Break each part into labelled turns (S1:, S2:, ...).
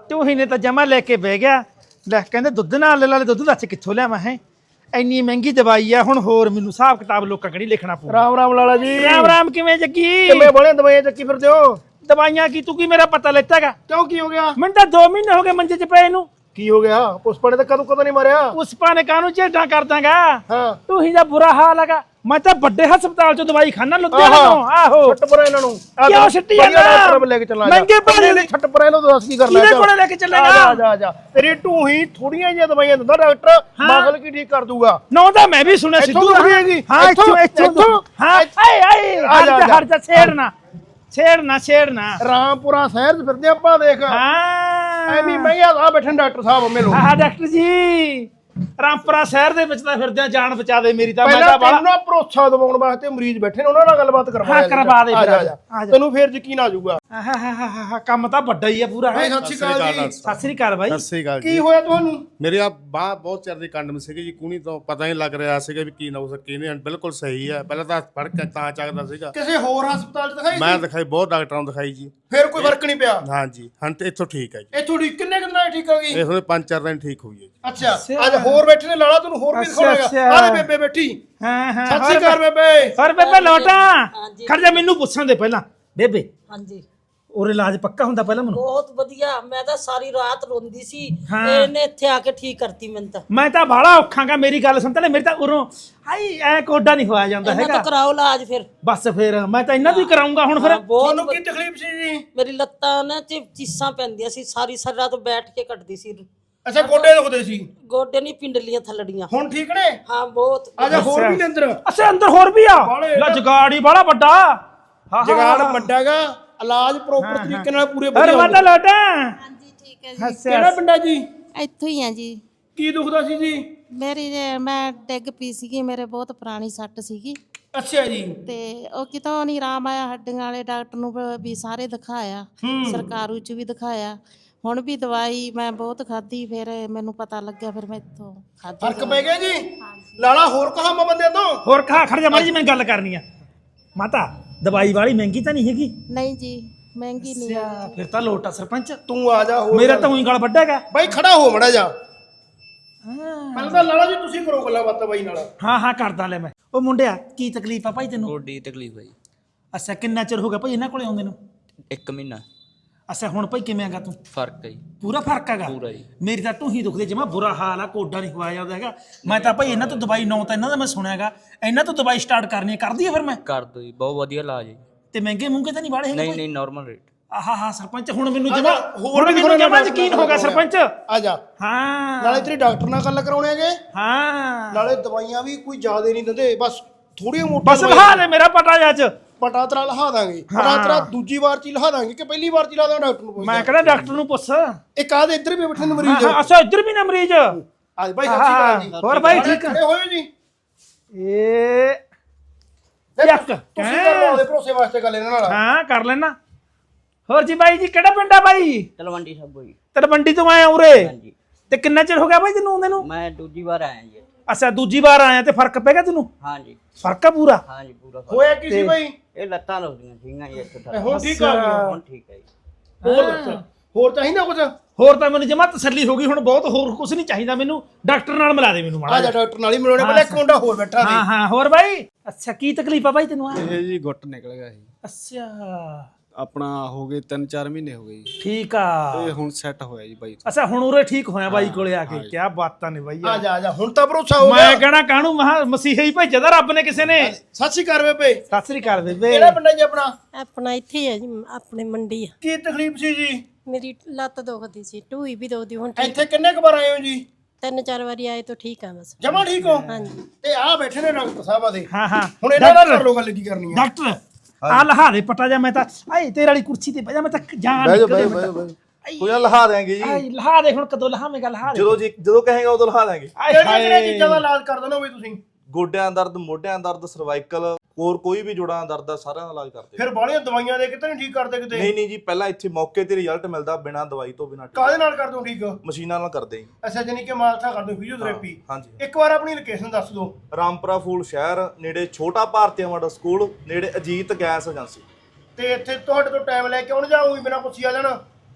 S1: ਢੂਹੀ ਨੇ ਤਾਂ ਜਮਾ ਲੈ ਕੇ ਬਹਿ ਗਿਆ। ਲੈ ਕਹਿੰਦੇ ਦੁੱਧ ਨਾਲ ਲੈ ਦੁੱਧ ਦੱਸ ਕਿੱਥੋਂ ਲਿਆਵਾਂ ਹੈ ਇੰਨੀ ਮਹਿੰਗੀ ਦਵਾਈ ਆ। ਹੁਣ ਹੋਰ ਮੈਨੂੰ ਹਿਸਾਬ ਕਿਤਾਬ ਲੋਕਾਂ ਕਣੀ ਲਿਖਣਾ ਪਊ।
S2: ਰਾਮ ਰਾਮ ਲਾਲਾ ਜੀ।
S1: ਰਾਮ ਰਾਮ ਕਿਵੇਂ ਜੱਗੀ?
S2: ਕਿਵੇਂ ਬੜੇ ਦਵਾਈਆਂ ਚੱਕੀ ਫਿਰਦੇ ਹੋ?
S1: ਦਵਾਈਆਂ ਕੀ ਤੂੰ ਕੀ ਮੇਰਾ ਪਤਾ ਲੈਤਾਗਾ?
S2: ਕਿਉਂ ਕੀ ਹੋ ਗਿਆ?
S1: ਮੈਨੂੰ ਤਾਂ 2 ਮਹੀਨੇ ਹੋ ਗਏ ਮੰਜੇ 'ਚ ਪਏ ਨੂੰ।
S2: ਕੀ ਹੋ ਗਿਆ? ਪੁਸ਼ਪਾ ਨੇ ਤਾਂ ਕਦੋਂ ਨਹੀਂ ਮਾਰਿਆ।
S1: ਪੁਸ਼ਪਾ ਨੇ ਕਾਹਨੂੰ ਝੇਡਾਂ ਕਰ ਦਾਂਗਾ।
S2: ਹਾਂ
S1: ਢੂਹੀ ਦਾ ਬੁਰਾ ਹਾਲ ਹੈਗਾ। ਮੈਂ ਤਾਂ ਵੱਡੇ ਹਸਪਤਾਲ 'ਚੋਂ ਦਵਾਈ ਖਾਣਾ ਲੁਧਿਆਣੇ ਤੋਂ। ਆਹੋ
S2: ਛੱਟ ਪਰੇ ਇਹਨਾਂ ਨੂੰ।
S1: ਕਿਉਂ ਛੱਟੀ ਜਾਂਦਾ?
S2: ਡਾਕਟਰ ਲੈ ਕੇ ਚੱਲਾਂ।
S1: ਮਹਿੰਗੇ ਭਾਅ ਦੇ
S2: ਛੱਟ ਪਰੇ ਇਹਨੂੰ ਦੱਸ ਕੀ ਕਰਨਾ।
S1: ਕਿਹਦੇ ਕੋਲੇ ਲੈ ਕੇ ਚੱਲੇਗਾ?
S2: ਆ ਜਾ ਤੇਰੀ ਢੂਹੀ ਥੋੜੀਆਂ ਜਿਹੀਆਂ ਦਵਾਈਆਂ ਦਿੰਦਾ ਡਾਕਟਰ, ਮਸਲ ਕੀ ਠੀਕ ਕਰ ਦੂਗਾ।
S1: ਨੋ ਤਾਂ ਮੈਂ ਵੀ ਸੁਣਿਆ ਸਿੱਧੂ
S2: ਇੱਥੋਂ ਹੈਗੀ।
S1: ਹਾਂ ਇੱਥੋਂ ਹਾਂ ਹਟ ਜਾ ਛੇੜਨਾ
S2: ਰਾਮਪੁਰਾ ਸ਼ਹਿਰ 'ਚ ਫਿਰਦੇ ਆਪਾਂ ਦੇਖ।
S1: ਹਾਂ
S2: ਐਵੇਂ ਮਹਿੰਗਾ ਆ ਬੈਠੇ ਡਾਕਟਰ ਸਾਹਿਬ ਮਿਲੋ।
S1: ਹਾਂ ਡਾਕਟਰ ਜੀ ਰਾਮਪੁਰਾ ਸ਼ਹਿਰ ਦੇ ਵਿੱਚ ਤਾਂ ਫਿਰਦੇ ਆ। ਜਾਨ ਬਚਾ ਦੇ ਮੇਰੀ ਤਾਂ। ਮੈਂ
S2: ਪਹਿਲਾਂ
S1: ਤਾਂ
S2: ਤੈਨੂੰ ਨਾ ਭਰੋਸਾ ਦਿਵਾਉਣ ਵਾਸਤੇ ਮਰੀਜ਼ ਬੈਠੇ ਨੇ, ਉਹਨਾਂ ਨਾਲ ਗੱਲਬਾਤ ਕਰਵਾ।
S1: ਹਾਂ ਕਰਵਾ ਦੇ ਫਿਰ।
S2: ਆ ਜਾ ਤੈਨੂੰ ਫੇਰ ਯਕੀਨ ਆ ਜਾਊਗਾ।
S1: ਕੰਮ ਤਾਂ ਵੱਡਾ ਹੀ ਆ ਪੂਰਾ।
S2: ਸਤਿ ਸ਼੍ਰੀ ਅਕਾਲ ਜੀ।
S1: ਸਤਿ ਸ੍ਰੀ ਅਕਾਲ ਬਾਈ।
S3: ਸਤਿ ਸ੍ਰੀ ਅਕਾਲ
S2: ਕੀ
S3: ਜੀ।
S2: ਹੋਇਆ ਤੁਹਾਨੂੰ?
S3: ਮੇਰੀ ਆ ਬਾਹ ਬਹੁਤ ਚਿਰ ਦੀ ਕੰਡਮ ਸੀਗੀ ਜੀ, ਕੂਣੀ ਤੋਂ ਪਤਾ ਨਹੀਂ ਲੱਗ ਰਿਹਾ ਸੀਗਾ ਵੀ ਕੀ ਨਾ ਹੋ ਸਕੇ। ਨਹੀਂ ਬਿਲਕੁਲ ਸਹੀ ਹੈ। ਪਹਿਲਾਂ ਤਾਂ ਫੜ ਕੇ ਤਾਂ ਚੱਕਦਾ ਸੀਗਾ।
S2: ਕਿਸੇ ਹੋਰ ਹਸਪਤਾਲ 'ਚ ਦਿਖਾਈ?
S3: ਮੈਂ ਦਿਖਾਈ ਬਹੁਤ ਡਾਕਟਰਾਂ ਨੂੰ ਦਿਖਾਈ ਜੀ,
S2: ਫੇਰ ਕੋਈ ਫਰਕ ਨਹੀਂ ਪਿਆ?
S3: ਹਾਂਜੀ ਹਾਂ ਤੇ ਇੱਥੋਂ ਠੀਕ ਹੈ ਜੀ।
S2: ਇਹ ਥੋੜੀ ਕਿੰਨੇ ਕੁ ਦਿਨਾਂ 'ਚ ਠੀਕ ਹੋ ਗਈ?
S3: ਇਹ ਹੁਣ 5-4 ਦਿਨ ਠੀਕ ਹੋਈ ਹੈ ਜੀ।
S2: ਅੱਛਾ ਅੱਜ ਹੋਰ ਬੈਠੇ ਨੇ ਲਾਲਾ, ਤੈਨੂੰ ਹੋਰ ਵੀ ਦਿਖਾਉਣਾਗਾ। ਆਲੇ ਬੇਬੇ ਬੈਠੀ।
S1: ਹਾਂ
S2: ਸਤਿ ਸ਼੍ਰੀ ਅਕਾਲ ਬੇਬੇ।
S1: ਹੋਰ ਬੇਬੇ ਲੋਟਾ ਖੜ ਜਾ। ਮੈਨੂੰ ਪੁੱਛਣ ਦੇ ਪਹਿਲਾਂ ਬੇਬੇ,
S4: ਹਾਂਜੀ
S1: ਔਰ ਇਲਾਜ ਪੱਕਾ ਹੁੰਦਾ ਪਹਿਲਾਂ ਮੈਨੂੰ?
S4: ਬਹੁਤ ਵਧੀਆ। ਮੈਂ ਤਾਂ ਸਾਰੀ ਰਾਤ ਰੋਂਦੀ ਸੀ,
S1: ਹਾਂ।
S4: ਇਹਨੇ ਇੱਥੇ ਆ ਕੇ ਠੀਕ ਕਰਤੀ ਮੈਨੂੰ ਤਾਂ।
S1: ਮੈਂ ਤਾਂ ਬਾਹਲਾ ਔਖਾਂਗਾ। ਮੇਰੀ ਗੱਲ ਸੁਣ ਤੇ ਮੇਰੀ ਤਾਂ ਉਰੋਂ ਹਾਈ ਐ ਕੋਡਾ ਨਹੀਂ ਹੋਇਆ ਜਾਂਦਾ
S4: ਇਹਨਾਂ
S1: ਹੈਗਾ।
S4: ਤਾਂ ਕਰਾਓ ਇਲਾਜ ਫਿਰ।
S1: ਬਸ ਫਿਰ ਮੈਂ ਤਾਂ ਇਹਨਾਂ ਦੀ ਕਰਾਉਂਗਾ ਹੁਣ ਫਿਰ।
S4: ਬਹੁਤ
S2: ਤੁਹਾਨੂੰ ਕੀ ਤਕਲੀਫ ਸੀ ਜੀ?
S4: ਮੇਰੀ ਲੱਤਾਂ ਨਾ ਚ ਚੀਸਾਂ ਪੈਂਦੀਆਂ ਸੀ, ਸਾਰੀ ਰਾਤ ਬੈਠ ਕੇ ਕੱਟਦੀ ਸੀ।
S2: ਅੱਛਾ ਗੋਡੇ ਦੁਖਦੇ ਸੀ?
S4: ਗੋਡੇ ਨਹੀਂ, ਪਿੰਡਲੀਆਂ ਥੱਲੜੀਆਂ।
S2: ਹੁਣ ਠੀਕ ਨੇ?
S4: ਹਾਂ ਬਹੁਤ।
S2: ਆ ਜਾ ਹੋਰ ਵੀ ਨੇ ਅੰਦਰ।
S1: ਅੱਛਾ ਅੰਦਰ ਹੋਰ ਵੀ ਆ?
S2: ਬਾਹਲੇ
S1: ਲੈ ਜਗਾੜੀ ਬਾਹਲਾ ਵੱਡਾ। ਹਾਂ
S2: ਜਗਾੜ ਵੱਡਾਗਾ। ਇਲਾਜ ਪ੍ਰੋਪਰ ਤਰੀਕੇ ਨਾਲ ਪੂਰੇ
S1: ਅਰੇ
S2: ਵਧੀਆ
S1: ਮੈਂ ਤਾਂ ਲੋਟਾ।
S5: ਹਾਂਜੀ ਠੀਕ ਹੈ ਜੀ।
S2: ਕਿਹੜਾ ਪਿੰਡਾ ਜੀ?
S5: ਇੱਥੋਂ ਹੀ ਆ ਜੀ।
S2: ਕੀ ਦੁਖਦਾ ਸੀ ਜੀ?
S5: ਮੈਂ ਡਿੱਗ ਪਈ ਸੀਗੀ, ਮੇਰੇ ਬਹੁਤ ਪੁਰਾਣੀ ਸੱਟ ਸੀਗੀ
S2: ਅੱਛਾ ਜੀ।
S5: ਤੇ ਉਹ ਕਿਤੋਂ ਨਹੀਂ ਆਰਾਮ ਆਇਆ। ਹੱਡੀਆਂ ਵਾਲੇ ਡਾਕਟਰ ਨੂੰ ਵੀ ਸਾਰੇ ਦਿਖਾਇਆ, ਸਰਕਾਰੂ ਚ ਵੀ ਦਿਖਾਇਆ। ਹੁਣ ਵੀ ਦਵਾਈ ਮੈਂ ਬਹੁਤ ਖਾਧੀ, ਫਿਰ ਮੈਨੂੰ ਪਤਾ ਲੱਗਿਆ, ਫਿਰ ਮੈਂ ਇੱਥੋਂ ਖਾਧੀ।
S2: ਫਰਕ ਪੈ ਗਿਆ ਜੀ? ਲਾਲਾ ਹੋਰ ਕਹਾਵਾਂ ਬੰਦੇ ਤੋਂ?
S1: ਹੋਰ ਖੜ ਜਾ ਮਾੜੀ ਜੀ ਮੈਂ ਗੱਲ ਕਰਨੀ ਆ। ਮਾਤਾ ਦਵਾਈ ਵਾਲੀ ਮਹਿੰਗੀ ਤਾਂ ਨਹੀਂ ਹੈਗੀ?
S5: ਨਹੀਂ ਜੀ ਮਹਿੰਗੀ ਨਹੀਂ ਹੈ।
S1: ਅੱਛਾ ਫਿਰ ਤਾਂ ਲੋਟਾ ਸਰਪੰਚ।
S2: ਤੂੰ ਆ ਜਾ। ਹੋਰ
S1: ਮੇਰਾ ਤਾਂ ਉਹੀ ਗਲ ਵੱਡਾ ਹੈਗਾ।
S2: ਬਾਈ ਖੜਾ ਹੋ ਮੜਾ ਜਾ। ਪਹਿਲਾਂ ਤਾਂ ਲਾਲਾ ਜੀ ਤੁਸੀਂ ਕਰੋ ਗੱਲਾਂ ਬਾਤਾਂ ਬਾਈ ਨਾਲ।
S1: ਹਾਂ ਕਰਦਾ ਲੈ ਮੈਂ। ਉਹ ਮੁੰਡਿਆ ਕੀ ਤਕਲੀਫ ਆ ਭਾਈ ਤੈਨੂੰ?
S6: ਗੋਡੀ ਤਕਲੀਫ ਹੈ ਜੀ।
S1: ਅੱਛਾ ਕਿੰਨਾ ਚਿਰ ਹੋ ਗਿਆ ਭਾਈ ਇਹਨਾਂ ਕੋਲੇ ਆਉਂਦੇ ਨੂੰ?
S6: 1 ਮਹੀਨਾ।
S1: ਅੱਛਾ ਹੁਣ ਭਾਈ ਕਿਵੇਂ ਆਗਾ ਤੂੰ?
S6: ਫਰਕ ਹੈ ਜੀ,
S1: ਪੂਰਾ ਫਰਕ ਹੈਗਾ?
S6: ਪੂਰਾ ਜੀ।
S1: ਮੇਰੀ ਤਾਂ ਢੂਹੀ ਦੁਖਦੀ ਜਮਾ ਬੁਰਾ ਹਾਲ ਆ। ਕੋਡਾ ਨਹੀਂ ਖਵਾਇਆ ਜਾਂਦਾ ਹੈਗਾ। ਮੈਂ ਤਾਂ ਭਾਈ ਇਹਨਾਂ ਤੋਂ ਦਵਾਈ ਨੌ ਤਾਂ ਇਹਨਾਂ ਦਾ ਮੈਂ ਸੁਣਿਆ ਹੈਗਾ। ਇਹਨਾਂ ਤੋਂ ਦਵਾਈ ਸਟਾਰਟ ਕਰਨੀ ਹੈ, ਕਰਦੀ ਹੈ ਫਿਰ ਮੈਂ?
S6: ਕਰ ਦੋ ਜੀ, ਬਹੁਤ ਵਧੀਆ ਇਲਾਜ ਹੈ ਜੀ।
S1: ਤੇ ਮਹਿੰਗੇ ਮੂੰਗੇ ਤਾਂ ਨਹੀਂ ਵਾਲੇ ਹੈਗੇ?
S6: ਨਹੀਂ ਨਾਰਮਲ ਰੇਟ।
S1: ਆਹਾ ਸਰਪੰਚ ਹੁਣ ਮੈਨੂੰ ਜਮਾ
S2: ਹੋਰ ਵੀ
S1: ਮੈਨੂੰ ਜਮਾ ਯਕੀਨ ਹੋ ਗਿਆ ਸਰਪੰਚ।
S2: ਆ ਜਾ।
S1: ਹਾਂ
S2: ਨਾਲੇ ਤੇਰੀ ਡਾਕਟਰ ਨਾਲ ਗੱਲ ਕਰਾਉਣੇ ਹੈਗੇ।
S1: ਹਾਂ
S2: ਨਾਲੇ ਦਵਾਈਆਂ ਵੀ ਕੋਈ ਜ਼ਿਆਦਾ ਨਹੀਂ ਦਿੰਦੇ, ਬਸ ਥੋੜੀਆਂ ਮੋਟੀਆਂ।
S1: ਬਸ ਲਹਾ ਦੇ ਮੇਰਾ ਪਟਾ ਅੱਜ।
S2: ਪਟਾ ਤੇਰਾ ਲਹਾ ਦਾਂਗੇ। ਪਟਾ ਤੇਰਾ ਦੂਜੀ ਵਾਰ ਚ ਹੀ ਲਹਾ ਦਾਂਗੇ ਕਿ ਪਹਿਲੀ ਵਾਰ ਚ ਹੀ ਲਾ ਦਾਂ? ਡਾਕਟਰ ਨੂੰ ਪੁੱਛ।
S1: ਮੈਂ ਕਹਿੰਦਾ ਡਾਕਟਰ ਨੂੰ ਪੁੱਛ।
S2: ਇੱਕ ਆਹ ਇੱਧਰ ਵੀ ਬੈਠੇ ਨੇ ਮਰੀਜ਼।
S1: ਅੱਛਾ ਇੱਧਰ ਵੀ ਨਾ ਮਰੀਜ਼।
S2: ਅੱਜ ਬਾਈ ਸਤਿ ਸ਼੍ਰੀ ਅਕਾਲ ਜੀ।
S1: ਹੋਰ ਬਾਈ ਠੀਕ ਆ?
S2: ਖੜੇ ਹੋਇਓ ਜੀ।
S1: ਇਹ ਯੱਕ
S2: ਤੁਸੀਂ ਕਰ ਲਓ ਉਹਦੇ ਭਰੋਸੇ ਵਾਸਤੇ ਗੱਲ ਇਹਨਾਂ ਨਾਲ।
S1: ਹਾਂ ਕਰ ਲੈਣਾ। ਹੋਰ ਜੀ ਬਾਈ ਜੀ ਕਿਹੜਾ ਪਿੰਡ ਆ ਬਾਈ?
S6: ਤਲਵੰਡੀ ਸਾਬੋ ਜੀ।
S1: ਤਲਵੰਡੀ ਤੋਂ ਆਇਆ ਉਰੇ?
S6: ਹਾਂਜੀ।
S1: ਤੇ ਕਿੰਨਾ ਚਿਰ ਹੋ ਗਿਆ ਬਾਈ ਤੈਨੂੰ ਆਉਂਦੇ ਨੂੰ?
S6: ਮੈਂ ਦੂਜੀ ਵਾਰ ਆਇਆ ਜੀ।
S1: ਅੱਛਾ ਦੂਜੀ ਵਾਰ ਆਇਆ ਤੇ ਫਰਕ ਪੈ ਗਿਆ ਤੈਨੂੰ?
S6: ਹਾਂਜੀ
S1: ਫਰਕ ਆ ਪੂਰਾ?
S6: ਹਾਂਜੀ ਪੂਰਾ ਫਰਕ।
S2: ਹੋਇਆ ਕੀ ਸੀ ਬਾਈ?
S6: ਇਹ ਲੱਤਾਂ ਦੁਖਦੀਆਂ ਸੀਗੀਆਂ ਜੀ ਇੱਥੇ ਤੱਕ।
S2: ਹੁਣ ਠੀਕ ਆ ਗਿਆ?
S6: ਹੁਣ ਠੀਕ ਹੈ ਜੀ।
S2: ਹੋਰ ਦੱਸ, ਹੋਰ ਚਾਹੀਦਾ ਕੁਝ?
S1: ਹੋਰ ਤਾਂ ਮੈਨੂੰ ਜਮਾ ਤਸੱਲੀ ਹੋ ਗਈ ਹੁਣ। ਬਹੁਤ ਹੋਰ ਕੁਝ ਨਹੀਂ ਚਾਹੀਦਾ ਮੈਨੂੰ। ਡਾਕਟਰ ਨਾਲ ਮਿਲਾ ਦੇ ਮੈਨੂੰ
S2: ਆ
S1: ਮਾੜਾ
S2: ਜਾ ਡਾਕਟਰ ਨਾਲ ਹੀ ਮਿਲਾਉਣੇ। ਪਹਿਲਾਂ ਇੱਕ ਮੁੰਡਾ ਹੋਰ ਬੈਠਾ ਸੀ।
S1: ਹਾਂ ਹੋਰ ਬਾਈ। ਅੱਛਾ ਕੀ ਤਕਲੀਫ ਆ ਬਾਈ ਤੈਨੂੰ?
S7: ਇਹ ਜੀ ਗੁੱਟ ਨਿਕਲ ਗਿਆ ਸੀ
S1: ਅੱਛਾ
S7: ਆਪਣਾ, ਹੋ ਗਏ 3-4 ਮਹੀਨੇ ਹੋ ਗਏ ਜੀ।
S1: ਠੀਕ ਆ।
S7: ਇਹ ਹੁਣ ਸੈੱਟ ਹੋਇਆ ਜੀ ਬਾਈ।
S1: ਅੱਛਾ ਹੁਣ ਉਰੇ ਠੀਕ ਹੋਇਆ ਬਾਈ ਕੋਲੇ ਆ ਕੇ? ਕੀ ਬਾਤਾਂ ਨੇ ਬਾਈ।
S2: ਆ ਜਾ ਹੁਣ ਤਾਂ ਭਰੋਸਾ ਹੋ ਗਿਆ।
S1: ਮੈਂ ਕਹਿਣਾ ਕਾਹਨੂੰ ਮਸੀਹਾ ਹੀ ਭੇਜਿਆ ਦਾ ਰੱਬ ਨੇ ਕਿਸੇ ਨੇ।
S2: ਸਤਿ ਸ਼੍ਰੀ ਅਕਾਲ ਬੇਬੇ।
S1: ਸਤਿ ਸ੍ਰੀ ਅਕਾਲ ਬੇਬੇ।
S2: ਕਿਹੜਾ ਪਿੰਡ ਹੈ ਜੀ ਆਪਣਾ?
S5: ਆਪਣਾ ਇੱਥੇ ਹੀ ਹੈ ਜੀ, ਆਪਣੇ ਮੰਡੀ ਆ।
S2: ਕੀ ਤਕਲੀਫ ਸੀ ਜੀ?
S5: ਮੇਰੀ ਲੱਤ ਦੁਖਦੀ ਸੀ, ਢੂਈ ਵੀ ਦੁਖਦੀ। ਹੁਣ
S2: ਇੱਥੇ ਕਿੰਨੇ ਕੁ ਵਾਰ ਆਏ ਹੋ ਜੀ?
S5: 3-4 ਵਾਰੀ ਆਏ ਤਾਂ ਠੀਕ ਆ ਬਸ।
S2: ਜਮਾ ਠੀਕ ਹੋ?
S5: ਹਾਂਜੀ।
S2: ਤੇ ਆ ਬੈਠੇ ਨੇ ਡਾਕਟਰ ਸਾਹਿਬ ਆਦੇ।
S1: ਹਾਂ
S2: ਹੁਣ ਇਹਨਾਂ ਨਾਲ ਕਰ ਲੋ ਗੱਲ ਕੀ ਕਰਨੀ ਹੈ।
S1: ਡਾਕਟਰ ਆ ਲਹਾ ਦੇ ਪਟਾ ਜਾ। ਮੈਂ ਤਾਂ ਆਏ ਤੇਰੇ ਵਾਲੀ ਕੁਰਸੀ ਤੇ ਬਹਿ ਜਾ। ਮੈਂ ਤਾਂ ਜਾਨ ਨਿਕਲੇ।
S8: ਕੋਈ ਨਾ ਲਹਾ ਦੇਾਂਗੇ ਜੀ।
S1: ਆਏ ਲਹਾ ਦੇ ਹੁਣ। ਕਦੋਂ ਲਹਾਵੇਂਗਾ? ਲਹਾ ਦੇ
S8: ਜਦੋਂ ਕਹੇਗਾ ਉਦੋਂ ਲਹਾ ਦਾਂਗੇ।
S2: ਕਿਹੜੀਆਂ ਚੀਜ਼ਾਂ ਦਾ ਇਲਾਜ ਕਰ ਦਿੰਦੇ ਹੋ ਬਈ ਤੁਸੀਂ?
S8: ਗੋਡਿਆਂ ਦਰਦ, ਮੋਢਿਆਂ ਦਰਦ, ਸਰਵਾਈਕਲ, ਹੋਰ ਕੋਈ ਵੀ ਜੋੜਾਂ ਦਰਦ ਦਾ ਸਾਰਿਆਂ ਦਾ ਇਲਾਜ ਕਰਦੇ।
S2: ਫਿਰ ਬਾਹਲੀਆਂ ਦਵਾਈਆਂ ਦੇ ਕਿਤੇ ਨਹੀਂ ਠੀਕ ਕਰਦੇ ਕਿਤੇ?
S8: ਨਹੀਂ ਜੀ, ਪਹਿਲਾਂ ਇੱਥੇ ਮੌਕੇ ਤੇ ਰਿਜ਼ਲਟ ਮਿਲਦਾ ਬਿਨਾਂ ਦਵਾਈ ਤੋਂ, ਬਿਨਾਂ
S2: ਕਾਹਦੇ ਨਾਲ ਕਰਦੇ ਹੋ ਠੀਕ?
S8: ਮਸ਼ੀਨਾਂ ਨਾਲ ਕਰਦੇ ਜੀ।
S2: ਅੱਛਾ ਜਾਨੀ ਕਿ ਮਾਲਸ਼ਾ ਕਰਦੇ ਹੋ, ਫਿਜ਼ੀਓਥੈਰੇਪੀ।
S8: ਹਾਂਜੀ।
S2: ਇੱਕ ਵਾਰ ਆਪਣੀ ਲੋਕੇਸ਼ਨ ਦੱਸ ਦਿਓ।
S8: ਰਾਮਪੁਰਾ ਫੂਲ ਸ਼ਹਿਰ ਨੇੜੇ ਛੋਟਾ ਭਾਰਤੀਆ ਮਾਡਲ ਸਕੂਲ, ਨੇੜੇ ਅਜੀਤ ਗੈਸ ਏਜੰਸੀ।
S2: ਤੇ ਇੱਥੇ ਤੁਹਾਡੇ ਤੋਂ ਟਾਈਮ ਲੈ ਕੇ ਆਉਣ ਜਾਊਂਗੀ ਬਿਨਾਂ ਪੁੱਛੀ ਆ ਜਾਣਾ?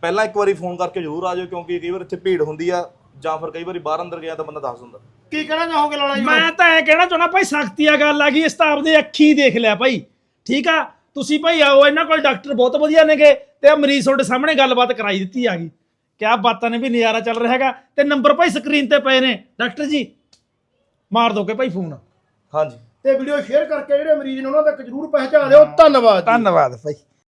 S8: ਪਹਿਲਾਂ ਇੱਕ ਵਾਰੀ ਫੋਨ ਕਰਕੇ ਜ਼ਰੂਰ ਆ ਜਾਓ, ਕਿਉਂਕਿ ਕਈ ਵਾਰ ਇੱਥੇ ਭੀੜ ਹੁੰਦੀ ਆ, ਜਾਂ ਫਿਰ ਕਈ ਵਾਰੀ ਬਾਹਰ ਅੰਦਰ ਗਿਆ ਤਾਂ ਬੰਦਾ ਦੱਸ ਦਿੰਦਾ।
S2: ਕੀ ਕਹਿਣਾ ਚਾਹੋਗੇ ਲਾਲਾ ਜੀ?
S1: ਮੈਂ ਤਾਂ ਐ ਕਹਿਣਾ ਚਾਹੁੰਦਾ ਭਾਈ, ਸਖਤੀ ਆ ਗੱਲ ਆ ਗਈ, ਇਸ ਤਾਂ ਆਪਦੇ ਅੱਖੀ ਦੇਖ ਲਿਆ ਭਾਈ, ਠੀਕ ਆ। ਤੁਸੀਂ ਭਾਈ ਆਓ, ਇਹਨਾਂ ਕੋਲ ਡਾਕਟਰ ਬਹੁਤ ਵਧੀਆ ਨੇਗੇ, ਤੇ ਆ ਮਰੀਜ਼ ਤੁਹਾਡੇ ਸਾਹਮਣੇ ਗੱਲਬਾਤ ਕਰਾਈ ਦਿੱਤੀ ਆ ਗਈ। ਕਿਆ ਬਾਤਾਂ ਨੇ, ਵੀ ਨਜ਼ਾਰਾ ਚੱਲ ਰਿਹਾ ਹੈਗਾ। ਤੇ ਨੰਬਰ ਭਾਈ ਸਕਰੀਨ ਤੇ ਪਏ ਨੇ, ਡਾਕਟਰ ਜੀ ਮਾਰ ਦੋਗੇ ਭਾਈ ਫੋਨ।
S8: ਹਾਂਜੀ,
S2: ਤੇ ਵੀਡੀਓ ਸ਼ੇਅਰ ਕਰਕੇ ਜਿਹੜੇ ਮਰੀਜ਼ ਨੇ ਉਹਨਾਂ ਤੱਕ ਜ਼ਰੂਰ ਪਹੁੰਚਾ ਦਿਓ। ਧੰਨਵਾਦ ਜੀ।
S1: ਧੰਨਵਾਦ ਭਾਈ।